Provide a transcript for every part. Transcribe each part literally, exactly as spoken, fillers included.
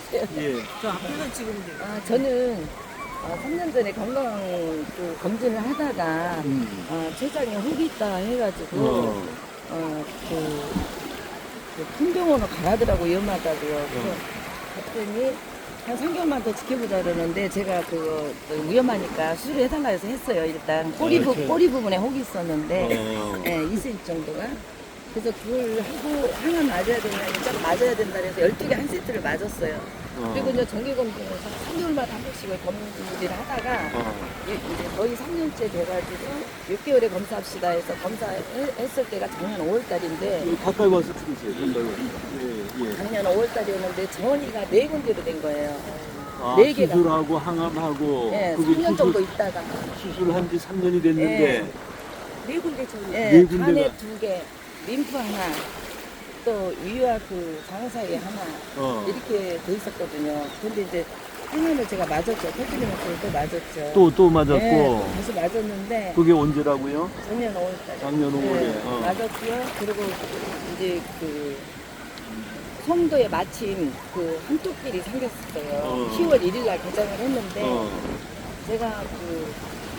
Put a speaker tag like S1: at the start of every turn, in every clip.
S1: 주세요.
S2: 예.
S3: 저 앞에서 찍으면 돼요.
S1: 아, 저는 어, 삼 년 전에 건강 그 검진을 하다가
S2: 음.
S1: 어, 췌장에 혹이 있다 해가지고
S2: 어.
S1: 어, 그, 그 큰 병원으로 가라더라고 위험하다고요. 그래서 갔더니 한 삼 개월만 더 지켜보자 그러는데 제가 그거 위험하니까 수술을 해달라 해서 했어요. 일단 꼬리, 부,
S2: 아, 저-
S1: 꼬리 부분에 혹이 있었는데
S2: 어.
S1: 예, 이 센티미터 정도가. 그래서 그걸 하고 항암 맞아야 되냐, 일단 맞아야 된다 그래서 열두 개 한 세트를 맞았어요.
S2: 어.
S1: 그리고 이제 정기검진에서 삼 개월마다 한 번씩을 검진을 하다가
S2: 어.
S1: 이- 이제 거의 삼 년째 돼가지고 육 개월에 검사합시다 해서 검사했을 때가 작년 오월 달인데
S2: 여기 가까이 와서 찍으세요. 가까이 와서. 예, 예.
S1: 작년 오월 달이었는데 전이가 네 군데로 된 거예요.
S2: 아,
S1: 네 개가.
S2: 수술하고 항암하고
S1: 예,
S2: 그게
S1: 삼 년
S2: 수술-
S1: 정도 있다가
S2: 수술한 지 삼 년이 됐는데
S3: 네 군데 전.
S1: 예,
S2: 네 군데가.
S1: 간에 두 개, 림프 하나, 또 위와 그 장 사이에 하나
S2: 어.
S1: 이렇게 돼 있었거든요. 근데 이제 항암을 제가 맞았죠. 터뜨리면서 또 맞았죠.
S2: 또, 또 맞았고
S1: 예, 또 다시 맞았는데
S2: 그게 언제라고요?
S1: 작년 오월 달에.
S2: 작년 오월에.
S1: 네,
S2: 어.
S1: 맞았고요. 그리고 이제 그 송도에 마침 그 한토끼리 생겼어요.
S2: 어.
S1: 시월 일일 날 개장을 했는데
S2: 어.
S1: 제가 그,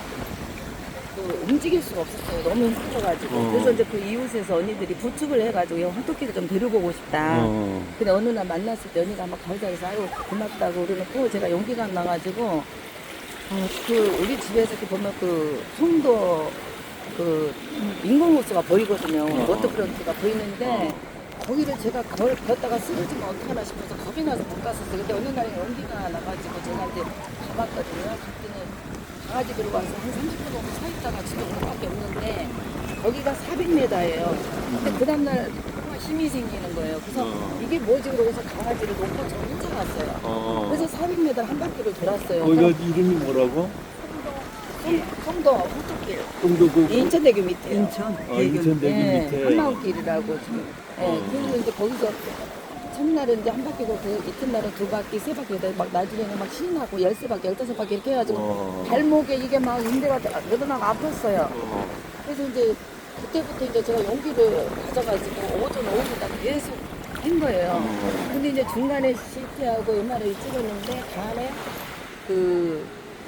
S1: 그 움직일 수가 없었어요. 너무 힘들어가지고.
S2: 어.
S1: 그래서 이제 그 이웃에서 언니들이 부축을 해가지고 야, 한토끼를 좀 데리고 오고 싶다.
S2: 어.
S1: 근데 어느 날 만났을 때 언니가 막 걸자해서 아유 고맙다고 그러놓고 제가 용기가 안 나가지고 어, 그 우리 집에서 이렇게 보면 그 송도 그 인공호수가 보이거든요.
S2: 어.
S1: 워터프런트가 보이는데 거기를 제가 걸, 걷다가 쓰러지면 어떡하나 싶어서 겁이 나서 못 갔었어요. 근데 어느 날에 용기가 나가지고 제가 이제 가봤거든요. 그때는 강아지 들고 와서 한 삼십 분 정도 서 있다가 집에 올 수밖에 없는데 거기가 사백 미터예요. 근데 그 다음날 힘이 생기는 거예요. 그래서
S2: 어.
S1: 이게 뭐지 그러고서 강아지를 놓고 저 혼자 갔어요.
S2: 어.
S1: 그래서 사백 미터 한 바퀴를 돌았어요.
S2: 거기가 이름이 뭐라고?
S1: 송- 송도 호떡길
S2: 송도 그
S1: 인천대교 밑에
S3: 인천.
S2: 어, 인천대교
S1: 예,
S2: 밑에.
S1: 한마음길이라고 지금. 예,
S2: 어.
S1: 그리고 이제 거기서 첫날은 이제 한 바퀴고 그 이튿날은 두 바퀴, 세 바퀴, 막 나중에는 막 신이 나고 열세 바퀴, 열다섯 바퀴 이렇게 해가지고
S2: 어.
S1: 발목에 이게 막 인대가 늘어나고 아팠어요.
S2: 어.
S1: 그래서 이제 그때부터 이제 제가 용기를 가져가지고 오전 오후다 계속 한 거예요.
S2: 어.
S1: 근데 이제 중간에 씨티하고 엠알아이 찍었는데 간에 그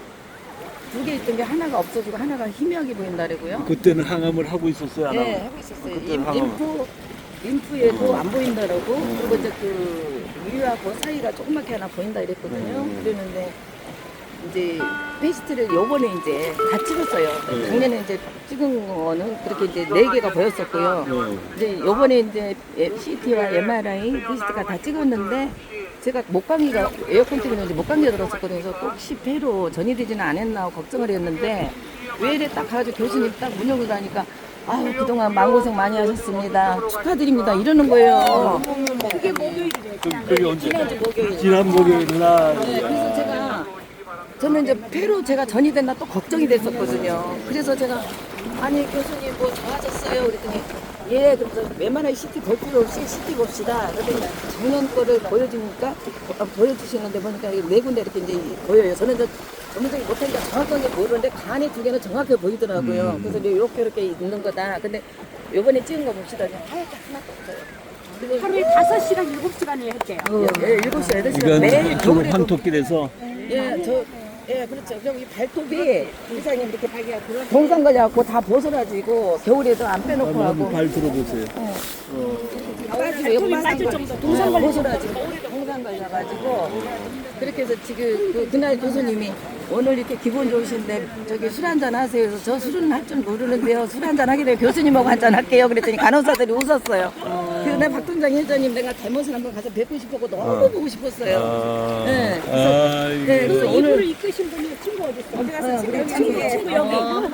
S1: 두 개 있던 게 하나가 없어지고 하나가 희미하게 보인다고요.
S2: 그때는 항암을 하고 있었어요, 안
S1: 네,
S2: 하고?
S1: 하고 있었어요.
S2: 그때
S1: 림,
S2: 항암.
S1: 림프, 림프에도
S2: 어.
S1: 안 보인다라고.
S2: 어.
S1: 그리고 이제 그 위하고 사이가 조그맣게 하나 보인다 이랬거든요.
S2: 음.
S1: 그랬는데 이제 페이스트를 요번에 이제 다 찍었어요.
S2: 네.
S1: 작년에 이제 찍은 거는 그렇게 이제 네 개가 보였었고요.
S2: 네.
S1: 이제 요번에 이제 씨티와 엠알아이 페이스트가 다 찍었는데 제가 목감기가 에어컨 때문에 이제 목감기가 들었었거든요. 그래서 혹시 폐로 전이되지는 않았나 하고 걱정을 했는데 왜 이래 딱 가가지고 교수님 딱 문 열고 가니까 아유 그동안 마음고생 많이 하셨습니다. 축하드립니다. 이러는 거예요.
S3: 그게 목요일이래.
S2: 그, 그게 언제?
S1: 지난주 목요일.
S2: 지난 목요일 날.
S1: 네, 그래서 제가 저는 이제 폐로 제가 전이 됐나 또 걱정이 됐었거든요. 그래서 제가 아니 교수님 뭐 좋아졌어요? 그랬더니 예, 그래서 웬만한 씨티 볼 필요 없이 씨티 봅시다. 그랬더니 작년 거를 보여주니까 어, 보여주시는데 보니까 이게 네 군데 이렇게 이제 보여요. 저는 이제 전문적인 못하니까 정확하게 모르는데 간이 두 개는 정확하게 보이더라고요.
S2: 음.
S1: 그래서 이제 이렇게 이렇게 있는 거다. 근데 요번에 찍은 거 봅시다. 하얗게 하나도 없어요. 그리고
S3: 하루에 다섯 시간, 일곱 시간을 했대요.
S1: 예, 일곱 시, 여덟 시간
S2: 이건
S1: 매일
S2: 그
S1: 겨울에도
S2: 환토길에서
S1: 예, 저, 예, 그렇죠. 그럼 이 발톱이 이사님 이렇게 동상 걸려갖고 다 벗어가지고 겨울에도 안 빼놓고
S2: 한번
S1: 하고
S2: 발 들어보세요.
S1: 어,
S2: 어.
S1: 빠지고 여기
S3: 발톱이 빠질
S1: 동상
S3: 정도.
S1: 동상 벗어가지고 동상 걸려가지고 그렇게 해서 지금 그, 그날 교수님이 오늘 이렇게 기분 좋으신데 저기 술 한잔 하세요. 그래서 저 술은 할 줄 모르는데요. 술 한잔 하게 되면 교수님하고 한잔 할게요. 그랬더니 간호사들이 웃었어요. 그날 박동장 회장님 내가 대모선 한번 가서 뵙고 싶었고 너무 보고 싶었어요.
S2: 아,
S1: 네, 그래서-
S2: 아,
S1: 네,
S2: 이게-
S1: 그래서
S3: 그
S1: 오늘-
S3: 이분을 이끄신 분이 친구 어디 있어? 어디 가서 친구, 친구, 친구 여기.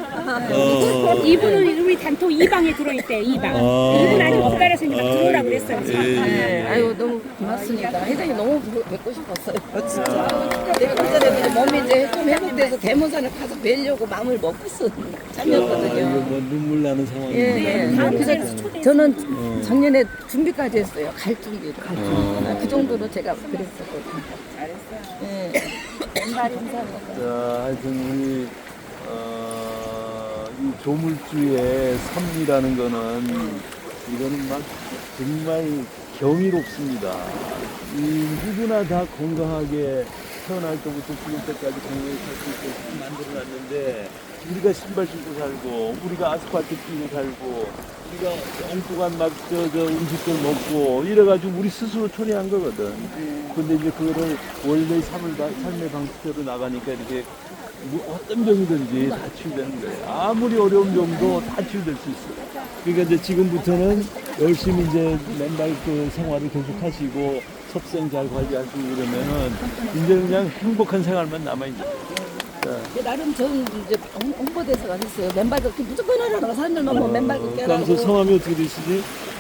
S2: 어.
S3: 이분은 우리 단톡 이 방에 들어있대. 이 방.
S2: 아.
S3: 이분 아직 못 가려서 이제 막 들어오라고
S2: 아이고.
S3: 그랬어요.
S2: 예,
S1: 네,
S2: 예.
S1: 아유 너무 고맙습니다. 회장님 너무 보- 뵙고 싶었어요. 진짜. 내가 그전에 몸이 이제 좀 회복돼서 대모산을 가서 뵈려고 마음을 먹었어.
S2: 아,
S1: 참이었거든요.
S2: 이거 뭐 눈물 나는 상황인데.
S1: 예, 예.
S3: 다음
S1: 그래서
S3: 주에 초대해서
S1: 저는 작년에 준비까지 했어요. 갈 준비를.
S2: 어.
S1: 아, 그 정도로 제가 그랬었거든요. 잘했어요. 예. 감사합니다.
S2: 자, 하여튼 우리 어, 이 조물주의 삶이라는 거는 이거는 막 정말 경이롭습니다. 이 누구나 다 건강하게 태어날 때부터 죽을 때까지 건강하게 살 수 있게 만들어놨는데 우리가 신발 신고 살고 우리가 아스팔트 끼고 살고 우리가 엉뚱한 막 저 저 음식들 먹고 이래가지고 우리 스스로 초래한 거거든. 근데 이제 그거를 원래 삶을 바- 삶의 방식대로 나가니까 이렇게 뭐 어떤 병이든지 다 치유되는 거예요. 아무리 어려운 병도 다 치유될 수 있어요. 그러니까 이제 지금부터는 열심히 이제 맨날 그 생활을 계속 하시고 섭생 잘 관리하시고 그러면은 이제 그냥 행복한 생활만 남아있는 거예요. 자,
S1: 나름 저는 이제 홍- 홍보대사가 됐어요. 맨발 걷기 무조건 하라고 사람들만 뭐 맨발 걷기
S2: 그러면서
S1: 하라고.
S2: 성함이 어떻게 되시지?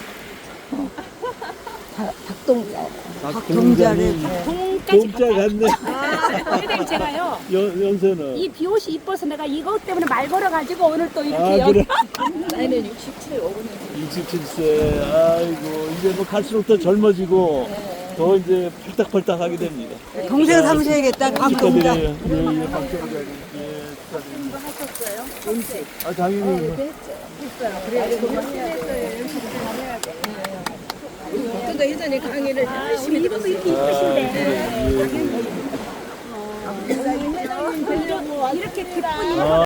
S1: 박- 박동자.
S2: 박동자님.
S3: 동까지
S2: 동자 같네.
S3: 회장님 제가요
S2: 연, 연세는?
S3: 이 비옷이 이뻐서 내가 이것 때문에 말 걸어가지고 오늘 또 이렇게
S2: 아,
S3: 여기
S2: 그래?
S1: 나이는 육십칠, 오분에
S2: 육십칠 세. 아이고, 이제 뭐 갈수록 더 젊어지고 더 이제 펄딱펄딱 하게 됩니다.
S4: 동생 삼으셔야겠다. 박동자.
S2: 축하드려요. 예, 예, 박동자님. 예, 축하드립니다.
S1: 하셨어요?
S2: 아, 당연히.
S1: 박동자 회장님 강의를 열심히
S3: 이름도 이렇게
S2: 아,
S3: 이쁘신데
S2: 예, 예.
S3: 이렇게 기쁜
S2: 아,